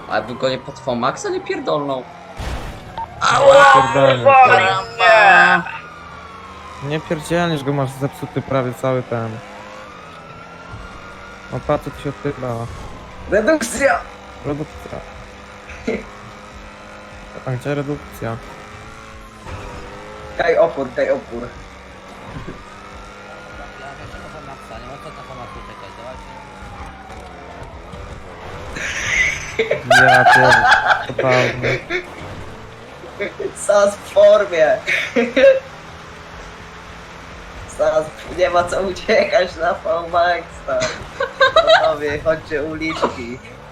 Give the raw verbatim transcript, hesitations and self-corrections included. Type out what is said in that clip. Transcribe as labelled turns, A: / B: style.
A: A by go nie pod Fomaxa nie pierdolną.
B: Pierdolnie.
A: Karamba!
B: Nie pierdzielniesz go, masz zepsuty prawie cały ten. O, patrz, co tu się odpytlała.
C: Redukcja!
B: Redukcja. A gdzie redukcja?
C: Kaj opór, kaj opór.
B: Ja pierdolę. Totalnie.
C: Sas w formie. Sas, nie ma co uciekać na V-Maxa. Panowie, chodźcie uliczki.